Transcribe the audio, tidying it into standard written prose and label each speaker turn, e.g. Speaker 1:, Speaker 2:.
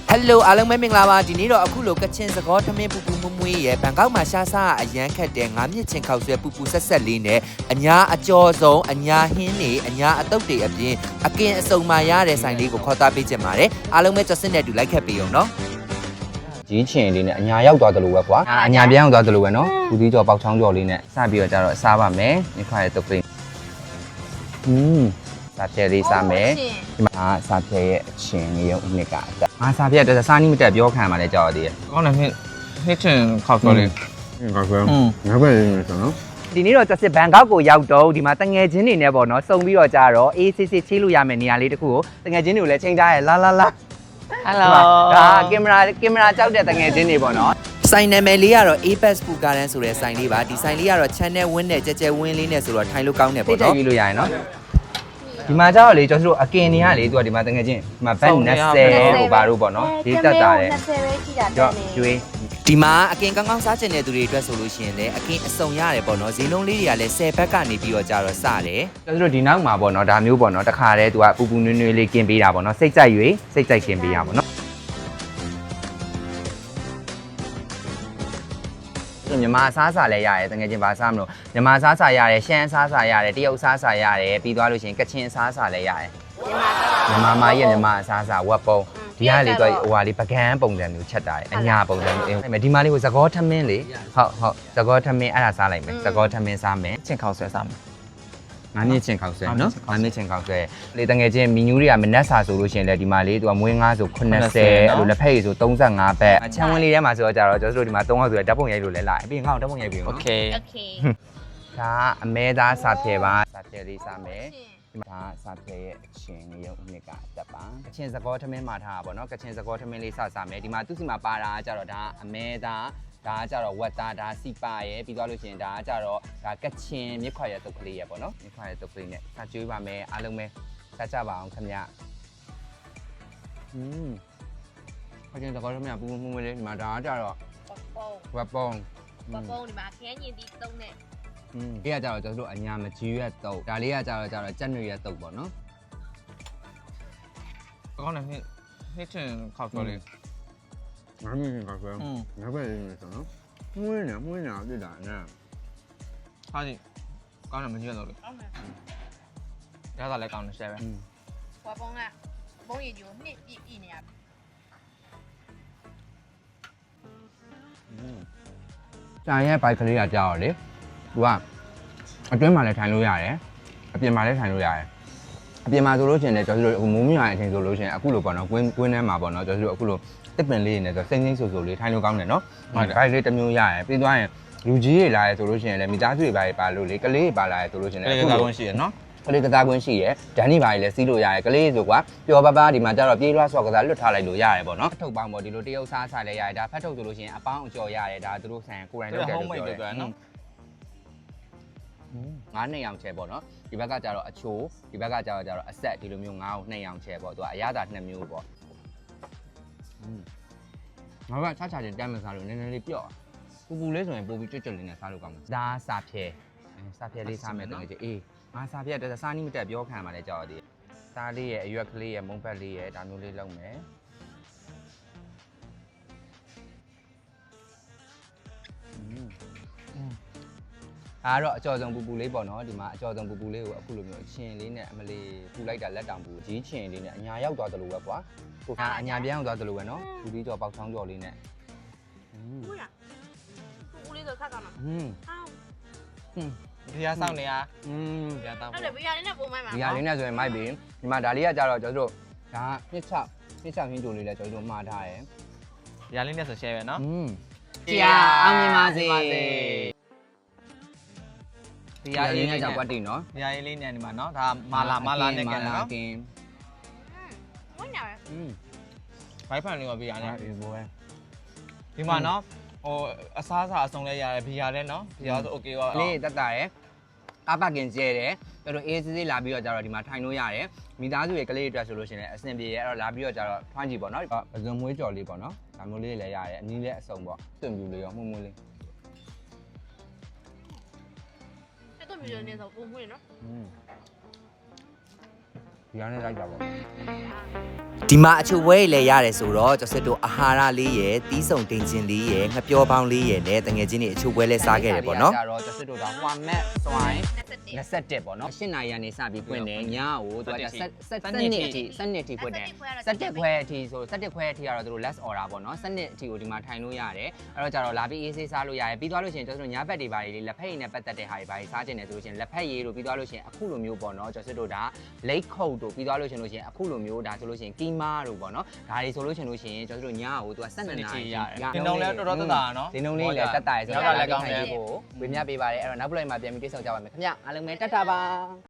Speaker 1: Hello အားလုံးပဲမင်္ဂလာပါဒီနေ့တော့အခုလိုကချင်စကောထမင်းပူပူမွမွေးရဲ့ဘန်ကောက်မှာရှားစားအရန်ခတ်တဲ့ငါးမြင့်ချင်းခောက်ဆွဲပူပူဆက်ဆက်လေးနဲ့အညာအကျော်ဆုံးအညာဟင်းနေအညာအတုပ်တွေအပြင်အကင်အစုံမှရတဲ့ဆိုင်လေးကိုခေါ်သားပေးချင်ပါတယ်အားလုံးပဲကြော်စစ်နဲ့တူလိုက်ခတ်ပေးအောင်နော်
Speaker 2: ကြီးချင်လေးနဲ့အညာရောက်သွားတယ်လို့ပဲကွာအညာပြန်ရောက်သွားတယ်လို့ပဲနော်ဘူးသီးကြော်ပေါက်ချောင်းကြော်လေးနဲ့စပြီးတော့ကြတော့စားပါမယ်ဒီခွာရဲ့တုပ်ကလေးစားပြဲလေးစားမယ်ဒီမှာစားပြဲရဲ့အချင်းလေးရုံနှစ်ကအတက်ငါစားပြဲတဲ့စားနီးမတက်ပြောခံပါလေကြောက်ရသေးတယ်ကောင်းတယ်နှစ်ချင်ခောက်ကြော်လေးခောက်ကြော်ငါပဲရင်းဆိုနော်ဒီနေ့တော့ကျစစ်ဘန်ကောက်ကိုရောက်တော့ဒီမှာတငယ်ချင်းတွေနဲ့ပေါ့နော်စုံပြီးတော့ကြတော့အေးစစ်စစ်ချေးလို့ရမယ်နေရာလေးတစ်ခုကိုတငယ်ချင်းတွေကိုလည်းချိန်ထားရဲလာဟယ်လိုဒါကင်မရာကြောက်တဲ့တငယ်ချင်းတွေပေါ့နော်
Speaker 1: ဆိုင်နာမည်လေးကတော့ Apex Food Garden ဆိုတဲ့ဆိုင်လေးပါဒီဆိုင်လေးကတော့ channel ဝင်းနဲ့ကြဲကြဲဝင်းလေးနဲ့ဆိုတော့ထိုင်လို့ကောင်းတယ်ပေါ့နော်
Speaker 2: သိလို့ရရင်နော်ဒီမှာကျတော့လေကျွန်တော်တို့အကင်တွေကလေသူကဒီမှာတကယ်ချင်းဒီမှာဘတ်20ဟိုပါတို့ပေါ့နော်ဒီတက်တာတယ်
Speaker 3: 20ပဲရှိတာတက်နေ
Speaker 2: ကျွေး
Speaker 1: ဒီမှာအကင်ကောင်းကောင်းစားချင်တဲ့သူတွေအတွက်ဆိုလို့ရှိရင်လည်းအကင်အစုံရတယ်ပေါ့နော်ဈေးနှုန်းလေးတွေကလည်း10ဘက်ကနေပြီးတော့ကြတော့စတယ်
Speaker 2: ကျွန်တော်တို့ဒီနောက်မှာပေါ့နော်ဒါမျိုးပေါ့နော်တခါတည်းသူကပူပူနွေးနွေးလေးกินပေးတာပေါ့နော်စိတ်ကြိုက်၍စိတ်ကြိုက်กินပေးရပါပေါ့နော်မြန်မာစားစာလည်းရတယ်တကယ်ချင်းဘာစားမလို့မြန်မာစားစာရတယ်ရှမ်းစားစာရတယ်တရုတ်စားစာရတယ်ပြီးသွားလို့ရှိရင်ကချင်စားစာလည်းရတယ်မြန်မာမာရဲ့မြန်မာစားစာဝက်ပုံဒီကလေတော့ဟိုဟာလေးပကန်းပုံစံမျိုးချက်တာတယ်အညာပုံစံမျိုးဒီမှာလေးကိုသကောထမင်းလေဟုတ်သကောထမင်းအဲ့ဒါစားလိုက်မယ်သကောထမင်းစားမယ်ချင်းခေါက်ဆွဲစားမယ်ငါးမြင့်ချင်းခေါက်ဆွဲနော်ငါးမြင့်ချင်းခေါက်ဆွဲလေတငယ်ချင်းမီနူးတွေကမနက်စာဆိုလို့ရှိရင်လေဒီမှာလေးသူကမွေးငါးဆို80အဲ့လိုလက်ဖက်ရည်ဆို35ဘက်အချမ်းဝင်းလေးထဲမှာဆိုတော့ကြတော့ကျွန်တော်တို့ဒီမှာ3ယောက်ဆိုတော့ဓာတ်ပုံရိုက်လို့လဲလာပြီးငါ့ကိုဓာတ်ပုံရိုက်ပြီးနော်
Speaker 1: Okay
Speaker 2: ဒါအမဲသားစာဖြဲပါစာဖြဲလေးစားမယ်ဒီမှာစာဖြဲရဲ့အချင်းလေးရုံနှစ်ကအတက်ပါကချင်စကောထမင်းမှာထားတာပေါ့နော်ကချင်စကောထမင်းလေးစားမယ်ဒီမှာသူ့စီမှာပါတာကြတော့ဒါအမဲသားဒါကကြတော့ဝက်သားဒါစီပါရယ်ပြီးသွားလို့ရှိရင်ဒါကကြတော့ဒါကချင်မြစ်ခွာရဲ့တုပ်ကလေးရယ်ပေါ့နော်မြစ်ခွာရဲ့တုပ်ကလေးနဲ့စားကျွေးပါမယ်အားလုံးပဲစားကြပါအောင်ခင်ဗျကချင်စကောထမင်းပူပူမွေးလေးဒီမှာဒါကကြတော့ဝက်ပုံ
Speaker 3: ဒီမှာခရမ်းညင်ဒီသုံးနဲ့
Speaker 2: ဒီကကြတော့ကျွန်တော်တို့အညာမကြီးရက်တုပ်ဒါလေးကကြတော့ကြက်နွေရက်တုပ်ပေါ့နော်ကောင်းတယ်နှစ်ချင်ခောက်ကြော်လေးငါးမြင့်ခောက်ကြော်ငါးပဲရင်းဆိုနော်မွေးနေပြစ်တာနဲ့ဟာဒီကောင်းတယ်မကြီးရတော့လေရတာလည်းကောင်းတယ်ရှယ်ပဲ
Speaker 3: ဝါပုံကပုံရည်ကျိုးနှစ်ပြည့်နေရ
Speaker 2: ကြာရဲ့ဘိုက်ကလေးကကြောက်လေသူကအတွင်းမှာလည်းထိုင်လို့ရတယ်အပြင်မှာလည်းထိုင်လို့ရတယ်အပြင်မှာဆိုလို့ရှိရင်လည်းကျွန်တော်တို့မိုးမြရတဲ့အချိန်ဆိုလို့ရှိရင်အခုလိုပေါ့နော်ကွင်းထဲမှာပေါ့နော်ကျွန်တော်တို့အခုလိုတစ်ပင်လေးနဲ့ဆိုစိမ့်စိမ့်ဆူဆူလေးထိုင်လို့ကောင်းတယ်နော်ဟုတ်တယ်အဲ့လေးတစ်မျိုးရတယ်ပြီးသွားရင်လူကြီးတွေလာရဲဆိုလို့ရှိရင်လည်းမိသားစုတွေပါလို့လေကလေးတွေပါလာရဲဆိုလို့ရှိရင်လည်းအခုလိုရှိရနော်ကလေးကစားကွင်းရှိရဒန်နီပါကြီးလည်းစီးလို့ရတယ်ကလေးဆိုကွာပျော်ပါဒီမှာကျတော့ပြေးလွှားဆော့ကစားလွတ်ထားလိုက်လို့ရတယ်ပေါ့နော်ဖတ်ထုတ်ပေါင်းပေါ့ဒီလိုတရုတ်စားစားလည်းရတယ်ဒါဖတ်ထုတ်ဆိုလို့ရှိရင်အပေါင်းအကျော်ရတယ်ဒါသူတို့ဆိုင်ကိုယ်တိုင်လုပ်တယ်လို့ပြောတယ်နော်ငါးနှစ်ရောင်ချဲပေါ့နော်ဒီဘက်ကကျတော့အချိုးဒီဘက်ကကျတော့အဆက်ဒီလိုမျိုးငါးကိုနှစ်ရောင်ချဲပေါ့သူကအရသာနှစ်မျိုးပေါ့ငါကချာချင်းတမ်းမစားလို့နည်းနည်းလေးပြော့ပူပူလေးဆိုရင်ပိုပြီးကြွကြွလေးနဲ့စားလို့ကောင်းမှာဒါစာဖြဲလေးစားမယ်တကယ်ကြီးအေးငါစာဖြဲတစားနီးမတက်ပြောခံပါလေကြောက်သေးစားလေးရဲ့အရွက်ကလေးရဲ့မုံဘက်လေးရဲ့ဒါမျိုးလေးလုပ်မယ်အားတော့အကျော်ဆုံးပူပူလေးပေါ့နော်ဒီမှာအကျော်ဆုံးပူပူလေးကိုအခုလိုမျိုးအချင်းလေးနဲ့အမလေးပူလိုက်တာလက်တောင်ပူကြီးချင်းလေးနဲ့အညာရောက်သွားတယ်လို့ပဲကွာကိုကအညာပြန်ရောက်သွားတယ်လို့ပဲနော်ပူပြီးကြော်ပေါက်ချောင်းကြော်လေးနဲ့
Speaker 3: ဟုတ်ရပူလေးဆိုခက်ကောင်းမှာ
Speaker 2: ဒီဟာစောင်းနေရ
Speaker 3: ဒီဟာတောင်းဟုတ်တယ်ဘီယာလေးနဲ့ပုံမိုက်မှာ
Speaker 2: ဘီယာလေးနဲ့ဆိုရင်မိုက်ပြီဒီမှာဒါလေးကကြတော့ကျွန်တော်တို့ဒါနှစ်ချဟင်းကြိုလေးလည်းကျွန်တော်တို့မှားထားရယ်
Speaker 4: ဘီယာလေးနဲ့ဆို share ပဲနော်
Speaker 2: ကြာအောင်မြင်ပါစေဒီဟာလေးနဲ့ကြောက်ကွက်တင်နော်
Speaker 4: ဒီဟာလေးနဲ့ဒီမှာနော်ဒါမာလာနဲ့ကန်နော်
Speaker 3: ဝင်းညာပဲ
Speaker 4: ဘိုက်ဖန်လေးကဘီယာနဲ့ဒီမှာနော်ဟိုအစားအစာအစုံလဲရတယ်ဘီယာလဲနော်ဘီယာဆို okay ပါ
Speaker 2: လေးတက်တာရယ်ကားပါကင်ကျဲတယ်တော်တော်အေးစစ်လာပြီးတော့ကြတော့ဒီမှာထိုင်လို့ရတယ်မိသားစုရဲ့ကလေးတွေအတွက်ဆိုလို့ရှိရင်အဆင်ပြေရဲ့အဲ့တော့လာပြီးတော့ကြတော့ထွန်းကြည့်ပေါ့နော်ပဇွန်မွေးကြော်လေးပေါ့နော်ဒါမျိုးလေးလည်းရတယ်အနည်းလေးအစုံပေါ့တွင်ပြူလေးရောမှုလေး
Speaker 3: မြူရနေတော့ပုံမွေးနော်
Speaker 2: ဒီကနေ့လိုက်တာပေါ့
Speaker 1: ဒီမှာအချိုဝဲလည်းရတယ်ဆိုတော့ကျော်စစ်တို့အာဟာရလေးရယ်တီးဆုံတင်ချင်းလေးရယ်ငပြောပေါင်းလေးရယ်နဲ့တငယ်ချင်းတွေအချိုဝဲလည်းစားခဲ့တယ်ပေါ့နော်
Speaker 2: ကြတော့ကျစစ်တို့တော့ဟွာမက်စွိုင်း21ပေါ့နော်8နာရီကနေစပြီးဖွင့်တယ်ညကိုသူက17နှစ်အထိ17ထိဖွင့်တယ်17ခွဲအထိဆို17ခွဲအထိကတော့သူတို့ less order ပေါ့နော်17အထိကိုဒီမှာထိုင်လို့ရတယ်အဲ့တော့ကြတော့လာပြီးအေးဆေးစားလို့ရတယ်ပြီးသွားလို့ရှိရင်ကျတို့ညဘက်တွေပါလေးလက်ဖက်ရည်နဲ့ပတ်သက်တဲ့ဟာတွေပါစားကျင်တယ်ဆိုလို့ရှိရင်လက်ဖက်ရည်တို့ပြီးသွားလို့ရှိရင်အခုလိုမျိုးပေါ့နော်ကျစစ်တို့ဒါလိတ်ခုတ်တို့ပြီးသွားလို့ရှိရင်အခုလိုမျိုးဒါဆိုလို့ရှိရင်ကီမာတို့ပေါ့နော်ဒါတွေဆိုလို့ရှိရင်ကျတို့ညကိုသူက12နာရီ
Speaker 4: ဒီနှုံလည်းတော်တော်တက်တာနော်
Speaker 2: ဒီနှုံလေးလည်းတက်တာရယ်ဆိုတော့လည်းကောင်းတယ်ကိုဝေမျှပေးပါတယ်အဲ့တော့နောက်ပလိုက်မှာပြန်ပြီးတွေ့ဆုံကြပါမယ်ခင်ဗျအားလုံးပဲတက်တာပါ